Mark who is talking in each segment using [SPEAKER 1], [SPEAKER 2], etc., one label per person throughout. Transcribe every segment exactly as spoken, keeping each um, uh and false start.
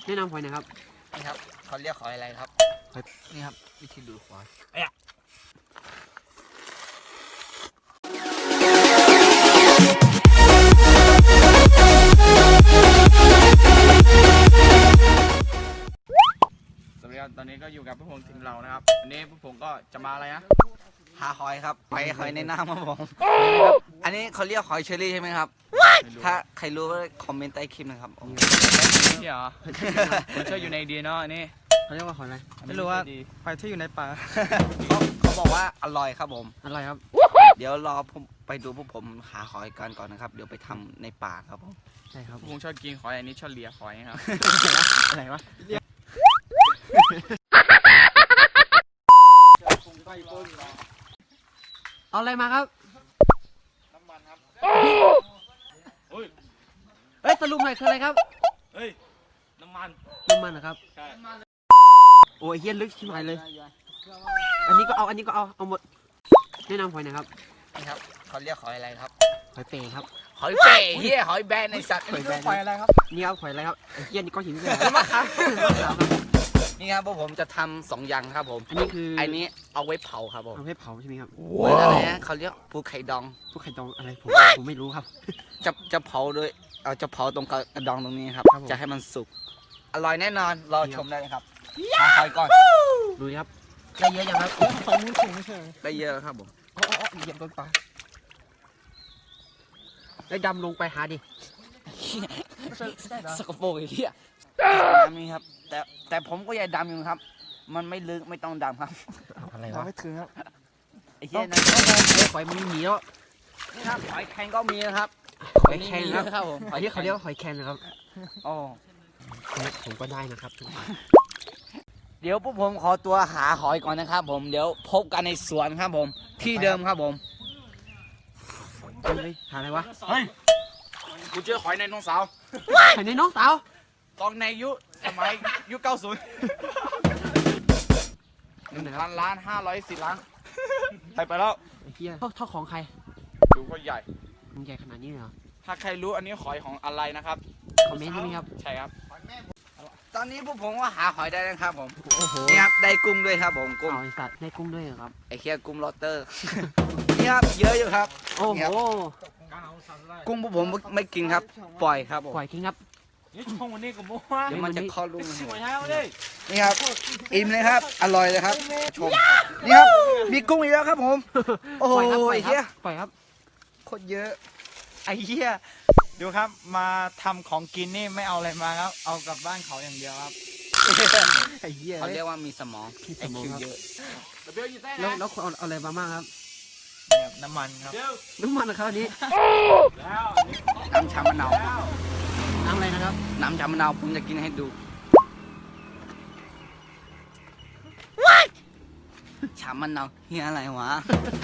[SPEAKER 1] แนะนำหอยนะครับ
[SPEAKER 2] นี่ครับเขาเรียกหอยอะไรครับนี่ครับวิธีดูหอย
[SPEAKER 3] สวัสดีครับตอนนี้ก็อยู่กับพวกผมทีมเรานะครับวันนี้พวกผมก็จะมาอะไรนะ
[SPEAKER 2] หาหอยครับหอยหอยในน้ำครับผมอันนี้เขาเรียกหอยเชอรี่ใช่ไหมครับถ้าใครรู้ก็คอมเมนต์ใต้คลิปนะครับ
[SPEAKER 3] นี่เหรอผมช่วยอยู่ในดีเนาะนี่
[SPEAKER 1] เขาเรียกว่าหอยอะไร
[SPEAKER 3] ไม่รู้ว่าหอยที่อยู่ในป่า
[SPEAKER 2] เขาเขาบอกว่าอร่อยครับผม
[SPEAKER 1] อร่อยครับ
[SPEAKER 2] เดี๋ยวรอผมไปดูพวกผมหาหอยกันก่อนนะครับเดี๋ยวไปทำในป่าครับผม
[SPEAKER 1] ใช่ครับ
[SPEAKER 3] ผมชอบกินหอยอันนี้ชอบเลียหอยครับ
[SPEAKER 1] อะไรวะเอาอะไรมาครับ
[SPEAKER 3] น้ำมันครับ
[SPEAKER 1] เฮ้ยสรุปหน่อยคืออะไรครับ
[SPEAKER 3] เฮ้ยน้ำมัน
[SPEAKER 1] น้ำมันนะครับ
[SPEAKER 3] ใช่
[SPEAKER 1] โอ้ยเฮี้ยลึกชิบหายเลยอันนี้ก็เอาอันนี้ก็เอาเอาหมดแนะนำหอยนะครับ
[SPEAKER 2] นี่ครับเขาเรียกหอยอะไรครับ
[SPEAKER 1] หอยเป๋ครับ
[SPEAKER 2] หอยเป๋เฮียหอยแบนในสัตว์
[SPEAKER 1] หอยแบนหอยอะไรครับนี่ครับหอยอะไรครับเฮี้ยนี่ก้อนหินเลย
[SPEAKER 2] มะขามนี่ครับพวกผมจะทำสองอย่างครับผม
[SPEAKER 1] อันนี้คือ
[SPEAKER 2] อันนี้เอาไว้เผาครับผม
[SPEAKER 1] เอาไว้เผาใช่ไหมครับ
[SPEAKER 2] เหมือนอะไรนะเขาเรียกภูไข่ดอง
[SPEAKER 1] ภูไข่ดองอะไรผมผมไม่รู้ครับ
[SPEAKER 2] จะจะเผาโดยเอาจะเผาตรงกระดองตรงนี้ครับจะให้มันสุกอร่อยแน่นอนรอชมได้เลยครับหาหอยก่อน
[SPEAKER 1] ดูครับได้เยอะยังครับ
[SPEAKER 2] ฝั่งนู้นสูงไม่ใช่ได้เยอะครับผม
[SPEAKER 1] อ๋อเหยียบต้นปลาได้ดำลงไปหาดิ
[SPEAKER 2] สกปรกไอ้เหี้ยน้ำนี่ครับแต่แต่ผมก็อยากดำอยู่ครับมันไม่ลึกไม่ต้องดำครับ
[SPEAKER 1] อะไรวะ
[SPEAKER 2] ไม่ถึงครับไอ้เหี้ยนั่น
[SPEAKER 1] หอยมันมีเนาะ
[SPEAKER 2] นี่ครับหอยแครงก็มีนะครับ
[SPEAKER 1] หอยแครงครับผมหอยที่เขาเรียกว่าหอยแครงนะครับ
[SPEAKER 2] อ๋อ
[SPEAKER 1] ผมก็ได้นะครับ
[SPEAKER 2] เดี๋ยวพวกผมขอตัวหาหอยก่อนนะครับผมเดี๋ยวพบกันในสวนครับผมที่เดิมครับผม
[SPEAKER 1] เฮ้ยหาอะไรวะ
[SPEAKER 3] เฮ้ยกูเจอหอยในน้องสาว
[SPEAKER 1] หอยในน้องสาว
[SPEAKER 3] ตอนในยุสมัยยุคเก้าศูนย์หนึ่งพันล้านห้าร้อยสี่ล้านไปไปแล้ว
[SPEAKER 1] เฮียเท่าเท่าของใคร
[SPEAKER 3] ดูก็ใหญ่
[SPEAKER 1] มันใหญ่ขนาดนี้เลยเหรอ
[SPEAKER 3] ถ้าใครรู้อันนี้หอยของอะไรนะครับ
[SPEAKER 1] คอมเมนต์ใช่ไหมครับ
[SPEAKER 3] ใช่ครับ
[SPEAKER 2] ตอนนี้พวกผมก็หาหอยได้แล้วครับผมนี่ครับได้กุ้งด้วยครับผมกุ้ง
[SPEAKER 1] ไอสัตว์ได้กุ้งด้วยเหรอครับ
[SPEAKER 2] ไอเคียกุ้งลอตเตอร์นี่ครับเยอะอยู่ครับ
[SPEAKER 1] โอ้โห
[SPEAKER 2] กุ้งพวกผมไม่กินครับปล่อยครับ
[SPEAKER 1] ปล่อยกินครับ
[SPEAKER 3] นี่ชงวันนี้กับโม่
[SPEAKER 2] เดี๋ยวมันจะคลอดลูกนี่ครับอิ่มเลยครับอร่อยเลยครับชมนี่ครับมีกุ้งอีกแล้วครับผมโอ้โหไอ้เหี้ย
[SPEAKER 1] ปล่อยครับ
[SPEAKER 2] โคตรเยอะ
[SPEAKER 3] ไอ้เหี้ยดูครับมาทำของกินนี่ไม่เอาอะไรมาครับเอากลับบ้านเขาอย่างเดียวครับ
[SPEAKER 1] ไอ้เหี้ย
[SPEAKER 2] เขาเรียกว่ามีสมอง
[SPEAKER 1] สมอง
[SPEAKER 2] เยอะ
[SPEAKER 1] แล้วแล้วเอาอะไรมาบ้างครับ
[SPEAKER 3] น้ำมันครับ
[SPEAKER 1] น้ำมันนะครับอันนี้
[SPEAKER 2] น้ำชามะนาว
[SPEAKER 1] น้ำอะไรนะครับ
[SPEAKER 2] น้ำชามะนาวผมจะกินให้ดูชามะนาวเฮียอะไรวะ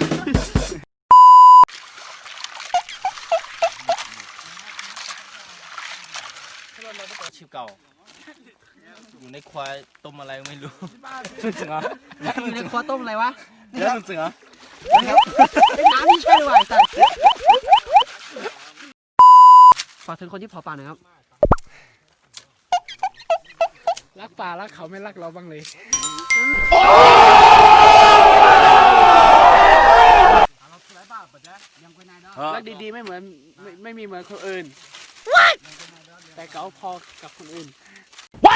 [SPEAKER 3] ชิบเก่าอยู่ในควายต้มอะไรไม่รู้
[SPEAKER 1] จริงเหรออยู่ในควายต้มอะไรวะ
[SPEAKER 3] เดี๋ยวจริงเหรอ
[SPEAKER 1] เป็นน้ำที่ใช่หรือเปล่าแต่ฝากถึงคนที่เผาป่าหน่อยครับ
[SPEAKER 4] รักป่ารักเขาไม่รักเราบ้างเลยรักดีๆไม่เหมือนไม่ไม่มีเหมือนคนอื่นแต่เขาพอกับคนอื่น What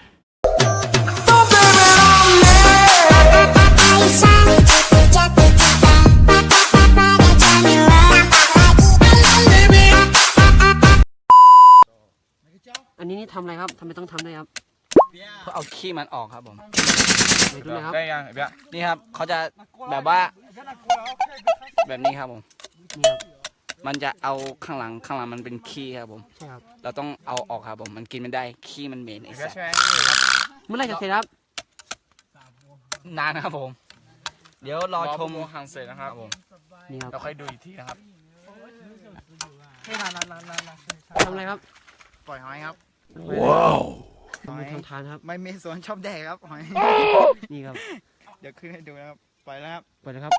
[SPEAKER 1] อันนี้นี่ทำอะไรครับทำไมต้องทำด้วยครับ
[SPEAKER 2] เพื่อเอาขี้มันออกครับผม
[SPEAKER 1] ไปดูนะครับ
[SPEAKER 3] ได้ยังเบี้ย
[SPEAKER 2] นี่ครับเขาจะแบบว่าแบบนี้ครับผม
[SPEAKER 1] นี่ครับ
[SPEAKER 2] มันจะเอาข้างหลังข้างหลังมันเป็นขี้ครับผม
[SPEAKER 1] ใช่ครับ
[SPEAKER 2] เราต้องเอาออกครับผมมันกินไม่ได้ขี้มันเหม็นไอ้สัส
[SPEAKER 1] เมื่อไรจะเสร็จครับ
[SPEAKER 2] นานนะครับผมเดี๋ยวรอชม
[SPEAKER 3] หังเสร็จนะครับผม
[SPEAKER 1] นี่ครับ
[SPEAKER 3] เราค่อยดูอีกทีนะครับ
[SPEAKER 1] ทำอะไรครับ
[SPEAKER 3] ปล่อยหอยครับ
[SPEAKER 1] ว้าวมีทำทานครับ
[SPEAKER 3] ไม่มีสวนชอบแดกครับหอย
[SPEAKER 1] นี่ครับ
[SPEAKER 3] เดี๋ยวขึ้นให้ดูนะครับปล่อยแล้วครับ
[SPEAKER 1] ปล่อยนะครับ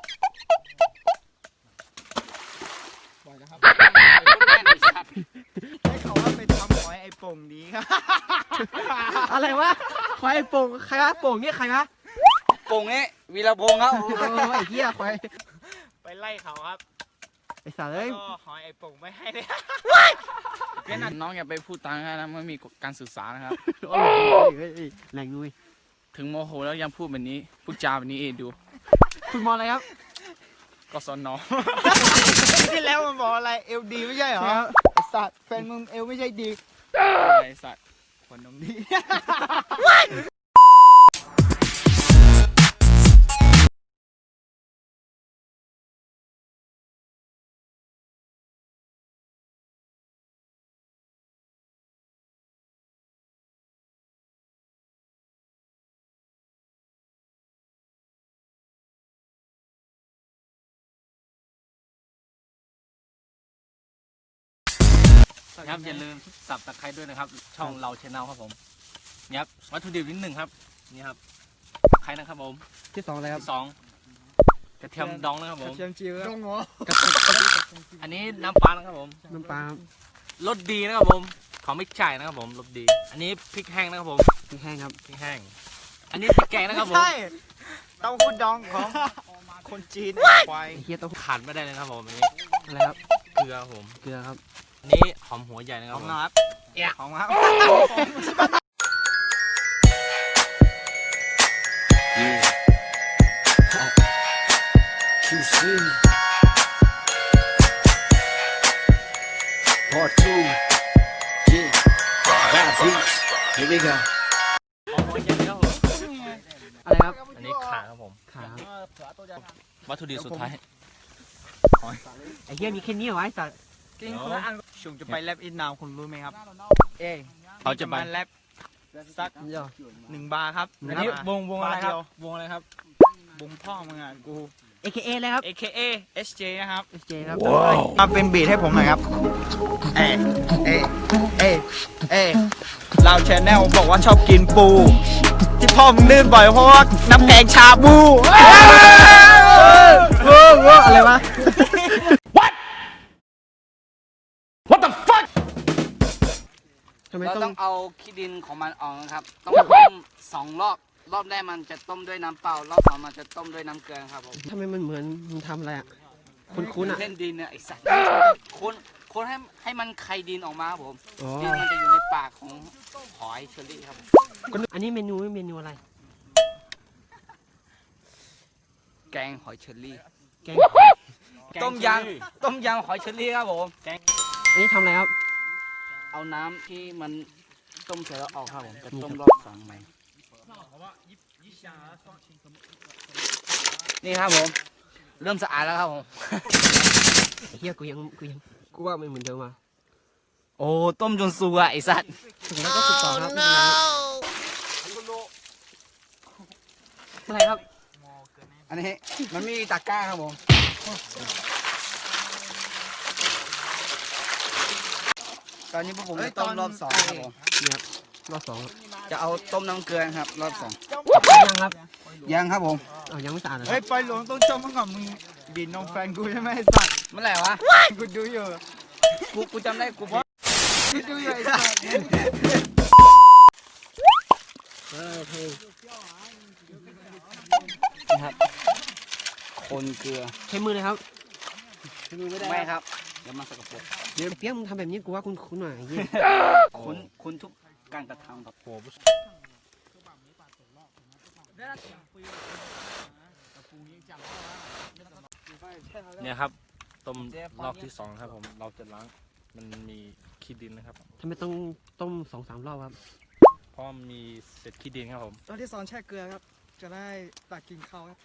[SPEAKER 3] ปล่อยนะครับได้ข่าวว่าไปทำหอยไอ้ป่งนี้ครับ
[SPEAKER 1] อะไรวะควายโป่งใครวะโป่งเนี่ยใครวะ
[SPEAKER 2] โป่งนี้วีรพงษ์ครับ
[SPEAKER 1] โอ้ไอ้เหี้ยควาย
[SPEAKER 3] ไปไล่เขาครับ
[SPEAKER 1] ไอ้สัตว์เอ้ย
[SPEAKER 3] ก็หอยไอ้ปุ่งไม่ให้เลย
[SPEAKER 4] เพื่อนน้องอย่าไปพูดตังกันนะไม่มีการสื่อสารนะครับ
[SPEAKER 1] โอ้ยเฮ้ยเฮ้ยแรงนุ้ย
[SPEAKER 4] ถึงโมโหแล้วยังพูดแบบนี้พูดจาแบบนี้เองดู
[SPEAKER 1] คุณมองอะไรครับ
[SPEAKER 4] ก็สอนน้อง
[SPEAKER 3] ที่แล้วมันบอกอะไรเอลดีไม่ใช่เหรอ
[SPEAKER 1] ครับ
[SPEAKER 3] ไอ้สัตว์แฟนมึงเอลไม่ใช่ดี
[SPEAKER 4] ไอ้สัตว์
[SPEAKER 3] คนนมดี
[SPEAKER 5] ครับอย่าลืมสับตะไคร้ด้วยนะครับ ช่องเราชแนลครับผมนี่ครับวัตถุดิบนิดหนึ่งครับนี่ครับตะไคร้นะครับผม
[SPEAKER 1] ที่สองอะไรครับ
[SPEAKER 5] ที่สองกระเทียมดองนะครับผม
[SPEAKER 3] เชียมจิ๋วดงหัว
[SPEAKER 5] อันนี้น้ำปลานะครับผม
[SPEAKER 1] น้ำปลาร
[SPEAKER 5] สดีนะครับผมของไม่ใช่นะครับผมรสดี อันนี้พริกแห้งนะครับผม
[SPEAKER 1] พริกแห้งครับ
[SPEAKER 5] พริกแห้ง อันนี้พริกแกงนะครับผม
[SPEAKER 3] ใช่เต้าหู้ดองของคนจีนควาย
[SPEAKER 1] ไอ้เหี้ยต้อง
[SPEAKER 5] ขาดไม่ได้เลยนะครับผมอันนี้
[SPEAKER 1] อะไรครับ
[SPEAKER 5] เกลือครับผม
[SPEAKER 1] เกลือครับ
[SPEAKER 5] อันนี้หอมหัวใหญ่นะค
[SPEAKER 3] ข
[SPEAKER 5] รั
[SPEAKER 3] อบ ง
[SPEAKER 5] ผม
[SPEAKER 3] ครับเอะของครับ
[SPEAKER 6] Q C Part two Yeah Bad beats Here we go
[SPEAKER 5] หอมหัวใหญ่นะครับผม
[SPEAKER 1] อะไรครับ
[SPEAKER 5] อันนี้ขาครับผม
[SPEAKER 1] ขาครับ
[SPEAKER 5] วัตถุดิบสุดท้าย
[SPEAKER 1] ไอ้เหี้ยมีแค่นี้เหรอวะไอ้สัตว์
[SPEAKER 3] กินคนละอันชุงจะไปแลบอินนาวคุณรู้ไหมครับ เอ้
[SPEAKER 5] เขาจะไป
[SPEAKER 3] แลบสัก
[SPEAKER 1] เดี๋ยว
[SPEAKER 3] หนึ่งบาร์ครับ
[SPEAKER 5] อันนี้วงวงอะไรครับ
[SPEAKER 3] าเดียว
[SPEAKER 5] วงอะไรครับ
[SPEAKER 3] บุงพ่อมึงอ่ะกู
[SPEAKER 1] เอ เค เอ เลยครับ
[SPEAKER 3] เอ เค เอ เอส เจ นะครับ
[SPEAKER 1] เอส เจ ครับ
[SPEAKER 3] มาเป็นบีทให้ผมหน่อยครับ เอ เอ เอ เอเราแชนแนลบอกว่าชอบกินปู ที่พ่อมึงลื่นบ่อยเพราะว่าน้ำแกงชาบู
[SPEAKER 1] โอ้โหอะไรวะ ทำไม
[SPEAKER 2] เรา
[SPEAKER 1] ต้
[SPEAKER 2] ต้
[SPEAKER 1] อ
[SPEAKER 2] อง งเอาขี้ดินของมันออกนะครับ ต้องต้มสองรอบ รอบแรกมันจะต้มด้วยน้ำเปล่า รอบสองมันจะต้มด้วยน้ำเกลือครับผม
[SPEAKER 1] ทำไมมันเหมือนมึงทำอะไรอ่ะ คุ้นๆอ่ะ
[SPEAKER 2] เล่นดินเนี่ยไอสัตว์คนคนให้ให้มันไข่ดินออกมาครับผม
[SPEAKER 1] อ๋อ
[SPEAKER 2] ดินมันจะอยู่ในปากของหอยเชอรี่ครับผม
[SPEAKER 1] อันนี้เมนูเมนูอะไร
[SPEAKER 2] แกงหอยเชอรี่
[SPEAKER 1] แกง
[SPEAKER 2] ต้มยำต้มยำหอยเชอรี่ครับผม
[SPEAKER 1] อันนี้ทำอะไรครับ
[SPEAKER 2] เอาน้ำที่มันต้มเสร็จแล้วออกครับผม จะต้มรอบสองใหม่นี่ครับผม เริ่มสะอาดแล้วครับผม
[SPEAKER 1] ไอ้เหี้ยกูยังกูยังกูว่ามันเหมือนเดิมอ่ะ
[SPEAKER 2] โอ้ ต้มจนสุกอะไอสัตว์
[SPEAKER 1] ถึงแล้วก็สุดต่อครับไม่เป็นไรครับอะไรครับ
[SPEAKER 2] อันนี้มันมีตะกร้าครับผม ตอนนี้พวกผมจะต้มรอบสองครับผม
[SPEAKER 1] นี่ครับรอบสองครับ
[SPEAKER 2] จะเอาต้มน้ำเกลือครับ รอบสอง
[SPEAKER 1] ยังครับ
[SPEAKER 2] ยังครับผม
[SPEAKER 1] เอายังไม่สะอาดเหรอค
[SPEAKER 3] เฮ้
[SPEAKER 1] รั
[SPEAKER 3] ย
[SPEAKER 1] บ
[SPEAKER 3] ปล่อยหลวงต้องจมมาก่อนมึงบินน้องแฟนกูใช่ไหมไอ้สัตว์
[SPEAKER 2] เมื่อไหร่วะ
[SPEAKER 3] กูดูอยู่
[SPEAKER 2] กูกูจำได้กูบอก
[SPEAKER 3] กูดูอยู่ไอ้สัตว์
[SPEAKER 1] เออเท่
[SPEAKER 2] นะครับ คนเกลือ
[SPEAKER 1] ใช้มือเลยครับ
[SPEAKER 2] ไม่ครับ เดี๋ยวมาสกปรก
[SPEAKER 1] เดี๋ยวเปี๊ยกมึงทำแบบนี้กูว่าคุ้นๆหน่อยไอ้เหี้ย
[SPEAKER 2] คุณคุณทุกการกระทำครับ
[SPEAKER 5] เนี่ยครับต้มรอบที่สองครับผมเราจะล้างมันมีขี้ดินนะครับ
[SPEAKER 1] ทำไมต้องต้มสองสามรอบครับ
[SPEAKER 5] เพราะมีเศษขี้ดินครับผม
[SPEAKER 3] ตอนที่สอนแช่เกลือครับ จะได้ตักกินข้าวครับ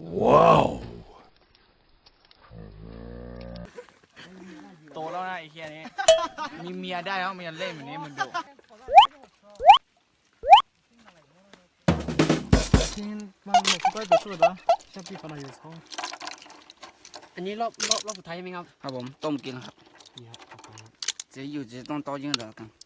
[SPEAKER 4] โตแล้วนะไอ้เฮียนี้ มีเมียได้แล้วมันยังเล่นแบบนี้มึงดู
[SPEAKER 1] อันนี้รอบรอบรอบสุดท้ายใช่ไหมครับ
[SPEAKER 2] ครับผม ต้มกินครับ
[SPEAKER 1] นี่ครับขอบคุณครับ
[SPEAKER 2] จะอยู่จะต้องต้อยิ่งเหลือกัน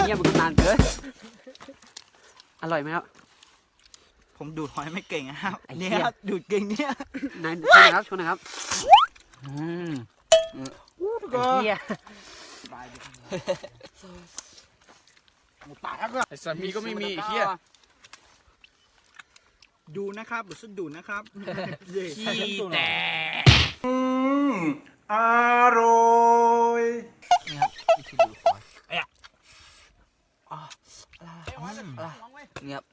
[SPEAKER 1] หี้ยมันก็นานเกินอร่อยไหมครับ
[SPEAKER 3] ผมดูดหอยไม่เก่งนะครับ
[SPEAKER 1] ไอ้เหี้
[SPEAKER 3] เนี่ย ยครับดูดเก่งเนี่ย
[SPEAKER 1] นายช่วยนะครับช่วยนะครับอืมไอ้เหี้ย
[SPEAKER 4] ไอ้สามีก็ไม่มีไอ้เหี้ย
[SPEAKER 3] ดูนะครับหรือสุดดูนะครับ
[SPEAKER 5] ขี้แตก
[SPEAKER 3] อร่อยเนี่ยครับ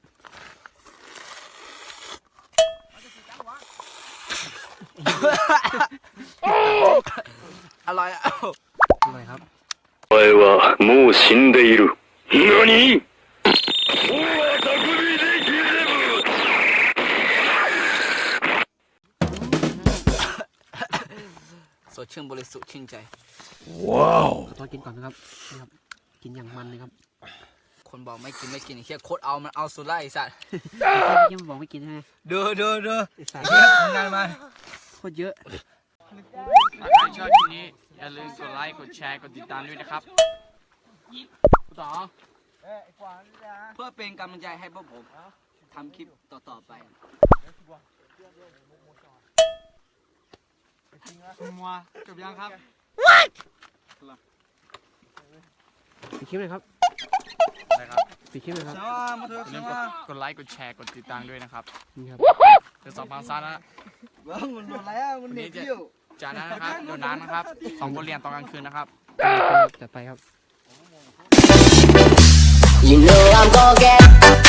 [SPEAKER 3] อร่อยอ่ะ
[SPEAKER 1] อร่อยครับ
[SPEAKER 6] お前はもう死んでいる。何？
[SPEAKER 2] สดชื่นบริสุทธิ์ชื่นใจ
[SPEAKER 1] ตอนกินก่อนนะครับนี่ครับกินอย่างมันเลยครับ
[SPEAKER 2] คนบอกไม่กินไม่กินไอ้เฮียโคตรเอามันเอาสุดไล่ไอ้สัตว์
[SPEAKER 1] เยี่ยมนบอกไม่กินใช่ไหม
[SPEAKER 2] ดูดูดู
[SPEAKER 1] ไอ้สัตว์
[SPEAKER 2] งานมา
[SPEAKER 1] โคตรเยอะ
[SPEAKER 4] ถ้าใครชอบคลิปนี้อย่าลืมกดไลค์กดแชร์กดติดตามด้วยนะครับต่อ
[SPEAKER 2] เพื่อเป็นกำลังใจให้พวกผมทำคลิปต่อๆไป
[SPEAKER 4] มัวจบยังครับ
[SPEAKER 1] ปิดคลิปเลยครับ
[SPEAKER 4] ได้ครับ
[SPEAKER 1] ปิดคลิปเลยครับ
[SPEAKER 3] มาเถอะ
[SPEAKER 4] อย่าลืมกดกดไลค์กดแชร์กดติดตามด้วยนะครับ
[SPEAKER 1] นี่ครับ
[SPEAKER 4] เดี๋ยวสองพันซันนะ
[SPEAKER 2] เบิ้งมันโดนแล้วมันเด็กเที่ยว
[SPEAKER 4] จากนั้นนะครับโดนน้ำนะครับสองบทเรียนตอนกลางคืนนะครับ
[SPEAKER 1] จัดไปครับ
[SPEAKER 7] You know I'm gonna get